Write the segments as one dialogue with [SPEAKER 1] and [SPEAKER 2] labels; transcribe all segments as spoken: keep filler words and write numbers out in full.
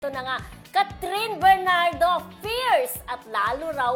[SPEAKER 1] Ito na nga, Catherine Bernardo, fierce at lalo raw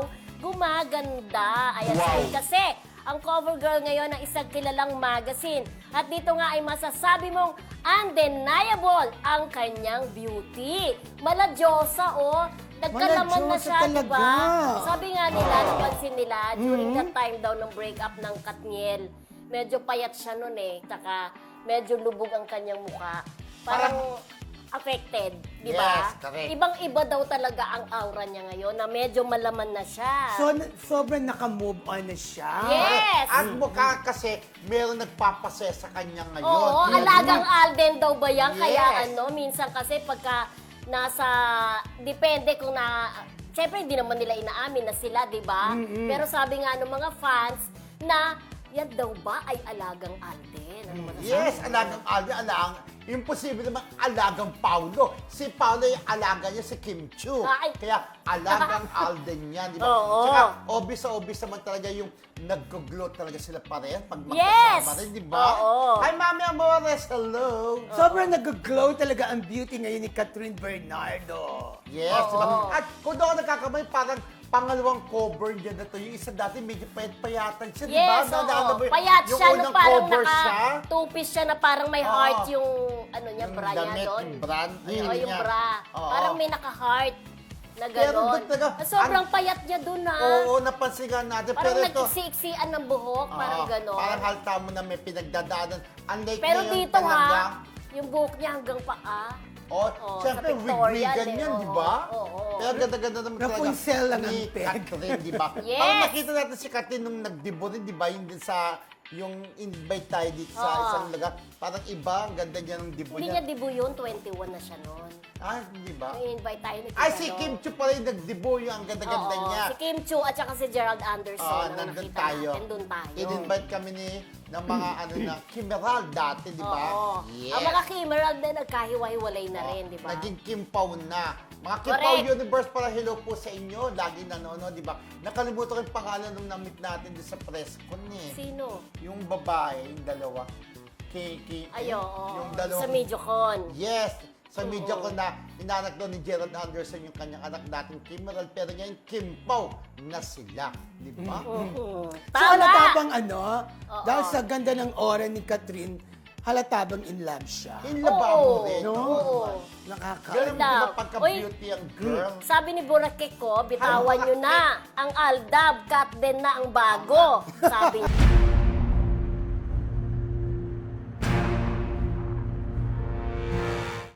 [SPEAKER 1] gumaganda. Ayan,
[SPEAKER 2] Wow.
[SPEAKER 1] kasi ang cover girl ngayon ng isang kilalang magazine. At dito nga ay masasabi mong undeniable ang kanyang beauty. Maladyosa, oh. Nagkalaman na
[SPEAKER 3] Maladyosa
[SPEAKER 1] siya,
[SPEAKER 3] talaga.
[SPEAKER 1] diba? Sabi nga nila, napansin nila, during that time daw ng breakup ng Katniel, medyo payat siya nun eh. Tsaka medyo lubog ang kanyang mukha. Parang affected, di ba?
[SPEAKER 2] Yes, correct.
[SPEAKER 1] Ibang-iba daw talaga ang aura niya ngayon na medyo malaman na siya.
[SPEAKER 3] So, sobrang naka-move on na siya.
[SPEAKER 1] Yes!
[SPEAKER 2] At mukha kasi meron nagpapasaya sa kanya ngayon.
[SPEAKER 1] Oo,
[SPEAKER 2] Yun.
[SPEAKER 1] alagang Alden daw ba yan?
[SPEAKER 2] Yes.
[SPEAKER 1] Kaya ano, minsan kasi pagka nasa, depende kung na, syempre hindi naman nila inaamin na sila, di ba? Pero sabi nga ng mga fans na, yan daw ba ay alagang Alden? Ano masasabi
[SPEAKER 2] Yes,
[SPEAKER 1] mo?
[SPEAKER 2] alagang Alden, alagang, imposible naman alagang Paulo. Si Paulo yung alaga niya si Kim Chiu.
[SPEAKER 1] Ay.
[SPEAKER 2] Kaya alagang Alden yan, di ba?
[SPEAKER 1] Oo.
[SPEAKER 2] Tsaka obvious sa obvious naman talaga yung nag-glow talaga sila parehan pag
[SPEAKER 1] Yes!
[SPEAKER 2] magkasama rin, di ba?
[SPEAKER 1] Oo.
[SPEAKER 2] Hi, Mami Amores, hello!
[SPEAKER 3] Sobrang nag-glow talaga ang beauty ngayon ni Catherine Bernardo.
[SPEAKER 2] Yes,
[SPEAKER 1] Oo.
[SPEAKER 2] di ba? At kung doon ako nagkakamay, parang pangalawang cover niya na to. Yung isa dati medyo payat-payatan siya, di ba?
[SPEAKER 1] Yes,
[SPEAKER 2] Naalala
[SPEAKER 1] oo.
[SPEAKER 2] mo yun?
[SPEAKER 1] Payat
[SPEAKER 2] Yung
[SPEAKER 1] siya, no,
[SPEAKER 2] unang
[SPEAKER 1] parang
[SPEAKER 2] cover siya.
[SPEAKER 1] naka-two-piece siya na parang may
[SPEAKER 2] Oo.
[SPEAKER 1] heart yung, ano niya,
[SPEAKER 2] Yung
[SPEAKER 1] bra niya
[SPEAKER 2] damit,
[SPEAKER 1] doon.
[SPEAKER 2] yung brand, ayun
[SPEAKER 1] Oo, yung
[SPEAKER 2] niya.
[SPEAKER 1] bra.
[SPEAKER 2] Oo.
[SPEAKER 1] Parang may naka-heart na
[SPEAKER 2] Pero
[SPEAKER 1] gano'n.
[SPEAKER 2] doon talaga,
[SPEAKER 1] Sobrang
[SPEAKER 2] ang-
[SPEAKER 1] payat niya doon, ha?
[SPEAKER 2] Oo, napansin nga natin.
[SPEAKER 1] Parang
[SPEAKER 2] pero ito,
[SPEAKER 1] nagsiksian ng buhok, parang
[SPEAKER 2] oo,
[SPEAKER 1] gano'n.
[SPEAKER 2] Parang halta mo na may pinagdadaanan. Unlike
[SPEAKER 1] Pero
[SPEAKER 2] ngayon
[SPEAKER 1] dito,
[SPEAKER 2] talaga,
[SPEAKER 1] ha, yung buhok niya hanggang paa.
[SPEAKER 2] Oh,
[SPEAKER 1] Oo,
[SPEAKER 2] siyempre,
[SPEAKER 1] sa pictorial
[SPEAKER 2] wig-wigan
[SPEAKER 1] eh,
[SPEAKER 2] yan,
[SPEAKER 1] oo,
[SPEAKER 2] di ba?
[SPEAKER 1] oo, oo.
[SPEAKER 2] Pero ganda-ganda naman talaga.
[SPEAKER 3] Rapunzel lang ang
[SPEAKER 2] ni
[SPEAKER 3] peg.
[SPEAKER 2] Catherine, di ba?
[SPEAKER 1] Yes!
[SPEAKER 2] Parang nakita natin si Catherine nung nag-debut rin, di ba? Yung din sa, yung invite tayo dito sa
[SPEAKER 1] Oo.
[SPEAKER 2] isang lugar. Parang iba, ang ganda niya ng debut
[SPEAKER 1] Hindi
[SPEAKER 2] niya.
[SPEAKER 1] niya debut yun, twenty-one na siya noon.
[SPEAKER 2] Ah, di ba?
[SPEAKER 1] Nung invite tayo ni
[SPEAKER 2] Ay,
[SPEAKER 1] Tita
[SPEAKER 2] si
[SPEAKER 1] Lo.
[SPEAKER 2] Kim Chiu pala yung nag-debut, yung ang ganda-ganda
[SPEAKER 1] Oo,
[SPEAKER 2] niya.
[SPEAKER 1] si Kim Chiu at saka si Gerald Anderson
[SPEAKER 2] Ah,
[SPEAKER 1] ang
[SPEAKER 2] nandun
[SPEAKER 1] nakita
[SPEAKER 2] tayo.
[SPEAKER 1] natin, doon tayo.
[SPEAKER 2] In-invite kami ni ng mga ano na Kimeral dati, di ba?
[SPEAKER 1] Oo. Ang mga Kimerald na nagkahiwa-hiwalay na rin, di ba?
[SPEAKER 2] Naging Kim Pao na. Mga Kim
[SPEAKER 1] Correct.
[SPEAKER 2] Pao Universe para hello po sa inyo. Lagi nanonood, di ba? Nakalimutan ko yung pangalan nung na-meet natin doon sa press con eh.
[SPEAKER 1] Sino?
[SPEAKER 2] Yung babae, yung dalawa. Kay, kay,
[SPEAKER 1] Ay, oo.
[SPEAKER 2] yung dalawa.
[SPEAKER 1] Sa Mediocon.
[SPEAKER 2] Yes. Sa
[SPEAKER 1] Oo.
[SPEAKER 2] media ko na inanak doon ni Gerald Anderson yung kanyang anak natin, Kimeral. Pero ngayon, Kim Pao na sila. Di ba?
[SPEAKER 1] Oo.
[SPEAKER 3] So, halata
[SPEAKER 1] Tama!
[SPEAKER 3] bang ano,
[SPEAKER 1] Oo.
[SPEAKER 3] dahil sa ganda ng aura ni Catherine, halata bang in love siya?
[SPEAKER 2] In love
[SPEAKER 1] Oo.
[SPEAKER 2] mo rin.
[SPEAKER 3] No?
[SPEAKER 1] Oo.
[SPEAKER 3] Nakaka...
[SPEAKER 2] Ganun, di ba,
[SPEAKER 1] Love.
[SPEAKER 2] pagka-beauty ang girl.
[SPEAKER 1] Sabi ni Boracay ko, bitawan nyo na ang Aldab, cut din na ang bago. Sabi niya.